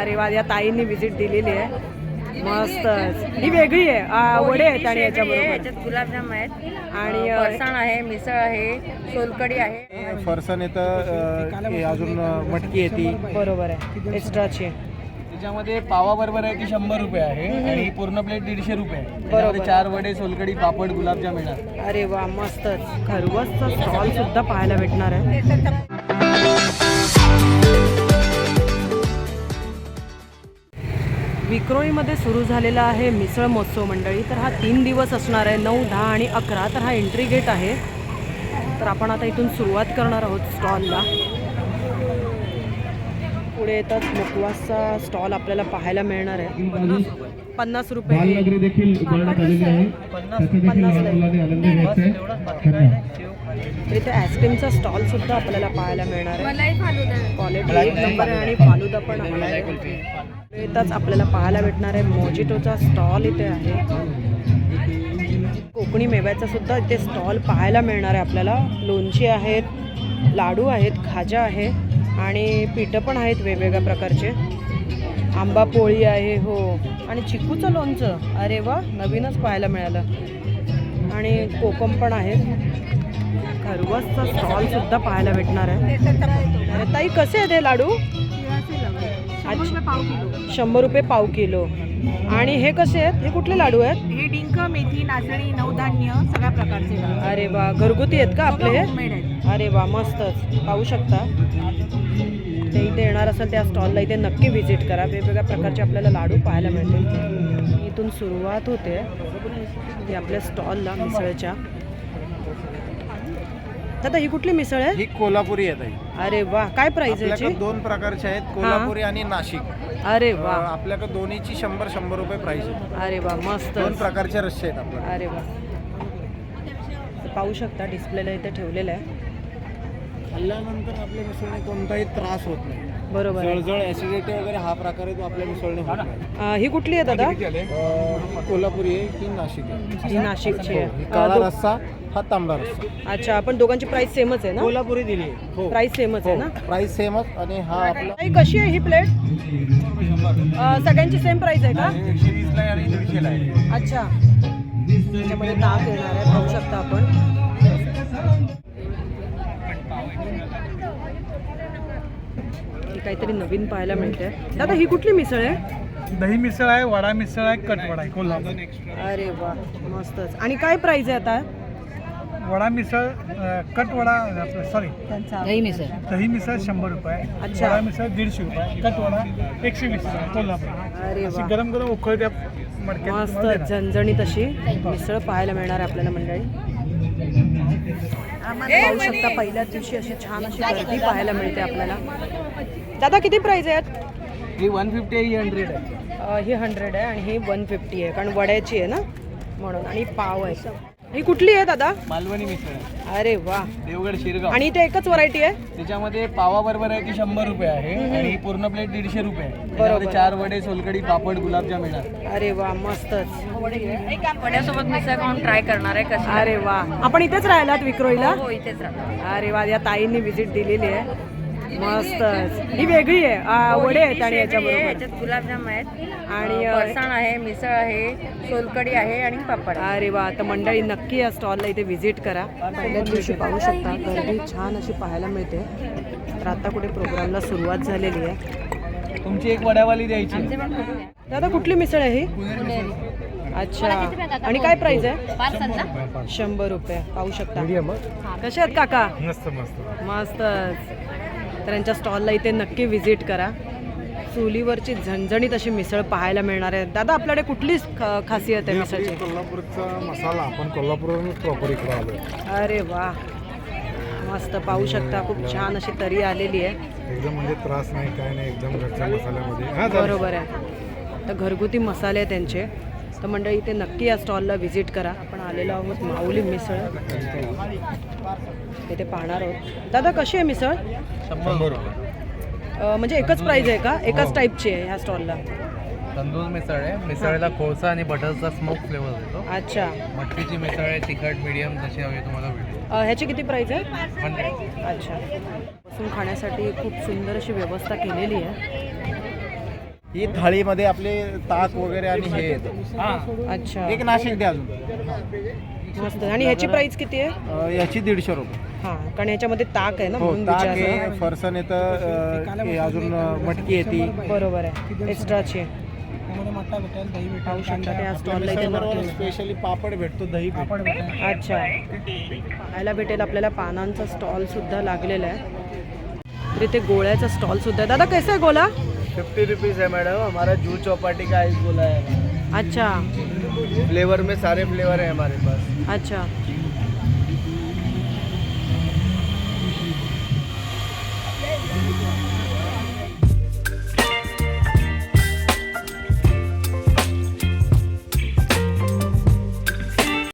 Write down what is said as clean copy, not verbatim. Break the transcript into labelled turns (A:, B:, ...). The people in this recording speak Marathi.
A: अरे वा, या ताईंनी व्हिजिट दिलेली आहे. मस्त, ही वेगळी आहे. वडे आहेत आणि याच्याबरोबर
B: गुलाबजाम आहेत
A: आणि
B: फरसाण आहे, मिसळ आहे, सोलकढी आहे.
C: फरसाण येतं, अजून मटकी येते.
A: बरोबर आहे, एक्स्ट्राची.
C: त्याच्यामध्ये पावा बरोबर आहे की 100 रुपये आहे आणि पूर्ण प्लेट 150 रुपये आहे.
A: बरोबर.
C: त्याच्यामध्ये 4 वडे, सोलकढी, पापड, गुलाबजाम येणार.
A: अरे वा, मस्तच. खरवसचा स्टॉल सुद्धा पाहायला भेटणार आहे. विक्रोळीमध्ये सुरू झालेला आहे मिसळ महोत्सव मंडळी. तर हा 3 दिवस असणार आहे, 9, 10 आणि 11. तर हा एंट्री गेट आहे. तर आपण आता इथून सुरुवात करणार आहोत स्टॉलला. पुढे येतात मुखवासचा स्टॉल आपल्याला पाहायला मिळणार आहे. 50 रुपये.
D: बालनगरी देखील उभारण्यात आलेली आहे. त्याचे देखील लहान मुलांनी आनंद घ्यायचा आहे.
A: तर इथे आईस्क्रीमचा स्टॉल सुद्धा आपल्याला पाहायला मिळणार आहे.
B: मलाई फालुदा.
A: क्वालिटी एक नंबर आहे आणि फालुदा पण आहे. इथंच आपल्याला पाहायला भेटणार आहे मोजिटोचा स्टॉल इथे आहे. कोकणी मेव्याचा सुद्धा इथे स्टॉल पाहायला मिळणार आहे आपल्याला. लोणची आहेत, लाडू आहेत, खाजा आहे आणि पिठं पण आहेत वेगवेगळ्या प्रकारचे. आंबा पोळी आहे हो, आणि चिकूचं लोणचं. अरे वा, नवीनच पाहायला मिळालं. आणि कोकम पण आहेत. खरवसचा स्टॉल सुद्धा पाहायला भेटणार आहे. अरे ताई, कसे आहेत हे लाडू? 100 रुपये पाव किलो. आणि हे कसे आहेत? हे कुठले लाडू आहेत?
B: हे डिंक, मेथी, नाचणी, नवधान्य सगळ्या प्रकारचे.
A: अरे वा, घरगुती आहेत का आपले हे?
B: होममेड आहेत.
A: अरे वा, मस्तच. पाहू शकता. ते इथे येणार असेल त्या स्टॉलला इथे नक्की व्हिजिट करा. वेगवेगळ्या प्रकारचे आपल्याला लाडू पाहायला मिळतील. इथून सुरुवात होते ती आपल्या स्टॉलला मिसळच्या. दादा, ही कुठली मिसळ आहे?
C: ही कोल्हापुरी आहे ताई.
A: अरे वा, काय प्राइस आहे
C: आपल्याकडे
A: याची?
C: 2 प्रकारचे आहेत, कोल्हापुरी आणि नाशिक.
A: अरे वा,
C: आपल्याकडे दोन्हीची 100 रुपये प्राइस आहे.
A: अरे वा, मस्त.
C: 2 प्रकारचे रस्से आहेत आपल्याकडे.
A: अरे वा, पाहू शकता डिस्प्लेला इथे ठेवलेलं आहे.
C: खाल्ल्यानंतर आपल्या मिसळने कोणताही त्रास होत नाही.
A: बरोबर आहे.
C: जळजळ, ऍसिडिटी वगैरे हा प्रकार आहे तो आपल्या मिसळने होत नाही.
A: ही कुठली आहे दादा?
C: कोल्हापुरी आहे की नाशिक आहे?
A: ही नाशिकची
C: ही
A: आहे.
C: काळा रस्सा, हा तांबडा रस्सा.
A: अच्छा, पण दोघांची प्राइस सेमच आहे ना?
C: कोल्हापुरी दिली आहे. हो,
A: प्राइस सेमच आहे ना?
C: प्राइस सेमच. आणि हा आपला
A: ताई, कशी आहे ही प्लेट? सगळ्यांची सेम प्राइस आहे का?
C: 120 ला आणि 150 ला आहे.
A: अच्छा, त्याच्यामध्ये ताक येणार आहे, पाहू शकता आपण. काहीतरी नवीन पाहायला मिळते. दादा, ही कुठली मिसळ आहे?
E: दही मिसळ आहे, वडा मिसळ आहे, कटवडा आहे कोल्हापूर.
A: अरे वा, मस्तच. आणि काय प्राइस आहे आता?
E: वडा मिसळ कटवडा सॉरी
B: दही मिसळ.
E: दही मिसळ 100 रुपये,
A: अच्छा.
E: वडा मिसळ 150 रुपये, कटवडा 120 रुपये कोल्हापूर.
A: अरे
E: अशी
A: वा,
E: गरम गरम उकळत्या मडक्यात
A: मस्त
E: तुम्हाला देणार.
A: झणझणीत अशी मिसळ पाहायला मिळणार आहे आपल्याला मंडळी. पाहू शकता पहिल्याच दिवशी अशी छान अशी गर्दी पाहायला मिळते आपल्याला. दादा, किती प्राइस आहेत?
C: ही 150 आहे, ही 100 आहे.
A: ही 100 आहे आणि ही 150 आहे, कारण वड्याची आहे ना म्हणून. आणि पाव आहे. ही कुठली आहे दादा?
C: मालवणी मिसळ आहे,
A: अरे वा.
C: देवगड शिरगाव.
A: आणि इथे एकच व्हरायटी आहे?
C: त्याच्यामध्ये पावा बरोबर आहे की 100 रुपये आहे आणि पूर्ण प्लेट 150 रुपये आहे.
A: बरोबर.
C: त्याच्यामध्ये 4 वडे, सोलकढी, पापड, गुलाबजाम येणार.
A: अरे वा, मस्तच.
B: वड्यासोबत मिसळ खाऊन ट्राय करणार आहे कशी.
A: अरे वा, आपण इथेच राहिलात विक्रोळीला?
B: हो, इथेच राहतो.
A: अरे वा, या ताईंनी व्हिजिट दिलेली आहे. मस्तच. ही वेगळी आहे. वडे आहेत आणि याच्याबरोबर
B: याच्यात गुलाबजाम आहेत
A: आणि
B: फरसाण आहे, मिसळ आहे, सोलकढी आहे आणि पापड आहे.
A: अरे वा, तर मंडळी नक्की या स्टॉलला इथे व्हिजिट करा. पहिल्याच दिवशी पाहू शकता गर्दी छान अशी पाहायला मिळते. तर आता कुठे प्रोग्रामला सुरुवात झालेली आहे.
C: तुमची एक वड्यावाली द्यायची.
B: आमचे पण खूप आहे.
A: दादा, कुठली मिसळ आहे ही?
B: पुणेरी.
A: अच्छा, आणि काय प्राइस आहे? 100 रुपये. पाहू शकता. कसे आहेत काका?
E: मस्त मस्त.
A: मस्तच. तर यांच्या स्टॉलला इथे नक्की व्हिजिट करा. चुलीवरची झणझणीत अशी मिसळ पाहायला मिळणार आहे. दादा, आपल्याकडे कुठली खासियत आहे मिसळची?
D: कोल्हापूरचा मसाला आपण कोल्हापूरवरून प्रॉपर इकडे आलो.
A: अरे वा, मस्त. पाहू शकता खूप छान अशी तरी आलेली आहे.
D: एकदम म्हणजे त्रास नाही, काय नाही, एकदम घरच्या मसाल्यामध्ये.
A: बरोबर आहे. तर घरगुती मसाले आहेत त्यांचे. तर मंडळी इथे नक्की या स्टॉलला व्हिजिट करा. आपण आलेलो आहोत माऊली मिसळ, इथे पाहणार आहोत. दादा, कशी आहे मिसळ?
C: 100 रुपये.
A: म्हणजे एकच प्राइस आहे का? एकाच टाईपची आहे ह्या स्टॉलला?
F: तंदूर मिसळ आहे. मिसळला कोळसा आणि बटरचा स्मोक फ्लेवर देतो.
A: अच्छा.
F: मटकीची मिसळ आहे, तिखट मीडियम जशी हवी तुम्हाला भेटेल.
A: ह्याची किती प्राइस आहे?
F: 100.
A: अच्छा. बसून खाण्यासाठी खूप सुंदर अशी व्यवस्था केलेली आहे.
C: ही थाळीमध्ये आपले ताक वगैरे आणि हे येतं.
A: अच्छा,
C: एक नाशिक द्या अजून.
A: मस्त. आणि ह्याची प्राइस किती आहे?
C: याची 150 रुपये.
A: हां, कारण ह्याच्यामध्ये ताक आहे ना,
C: हो,
A: म्हणून
C: ताक
A: विचारलं.
C: आहे, फरसन येतं, हे अजून मटकी येते.
A: बरोबर आहे, एक्स्ट्राची. पाहू शकता त्या स्टॉलला इथे नक्की.
C: स्पेशली पापड भेटतो, दही भेटतो.
A: अच्छा, खायला भेटेल आपल्याला. पानांचा स्टॉल सुद्धा लागलेला आहे. तर इथे गोळ्याचा स्टॉल सुद्धा आहे. दादा कैसा आहे गोला?
C: 50 रुपीज़ है मैडम. हमारा जूस चौपाटी का आइस गोला है.
A: अच्छा
C: फ्लेवर में सारे फ्लेवर है हमारे पास.
A: अच्छा,